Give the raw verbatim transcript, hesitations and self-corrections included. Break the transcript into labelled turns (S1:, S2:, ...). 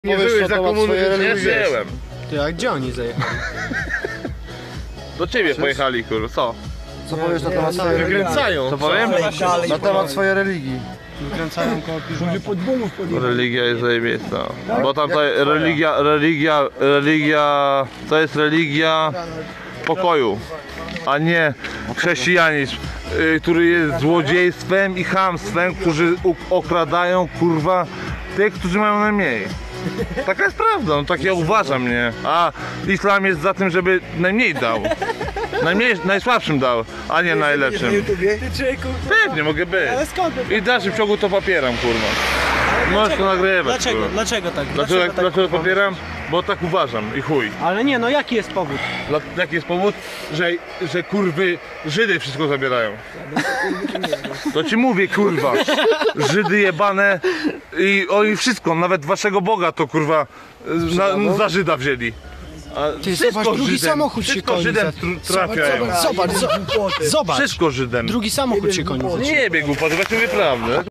S1: Nie żyłeś za komuny, nie żyłem.
S2: Ty, a gdzie oni zajechali?
S1: Do ciebie pojechali, kurwa, co?
S3: Co powiesz na temat swojej religii?
S1: Wykręcają. Co powiem?
S3: Na temat swojej religii.
S2: Wykręcają koło piżama.
S1: Religia jest zajebista. Bo tam ta religia, religia, religia, to jest religia pokoju, a nie chrześcijanizm, y, który jest złodziejstwem i chamstwem, którzy okradają, kurwa, tych, którzy mają najmniej. Taka jest prawda, no tak ja uważam, nie? A islam jest za tym, żeby najmniej dał. Najmniej, najsłabszym dał, a nie najlepszym. Pewnie mogę być.
S2: Ale skąd?
S1: I w dalszym ciągu to popieram, kurwa. Możesz to nagrywać.
S2: Dlaczego?
S1: Kurwa.
S2: Dlaczego tak?
S1: Dlaczego,
S2: tak
S1: dlaczego popieram? Bo tak uważam i chuj.
S2: Ale nie, no jaki jest powód?
S1: Dla, jaki jest powód? Że, że kurwy Żydy wszystko zabierają. To ci mówię, kurwa. Żydy jebane i oni wszystko, nawet waszego Boga to kurwa na, za Żyda wzięli. A
S2: Ty, zobacz, drugi
S1: Żydem,
S2: samochód się
S1: wszystko
S2: koni.
S1: Żydem
S2: za-
S1: tr- trafiają.
S2: Zobacz, zobacz, zobacz.
S1: Wszystko Żydem.
S2: Drugi samochód się koni.
S1: Nie biegł, patrz, właśnie mówię prawdę.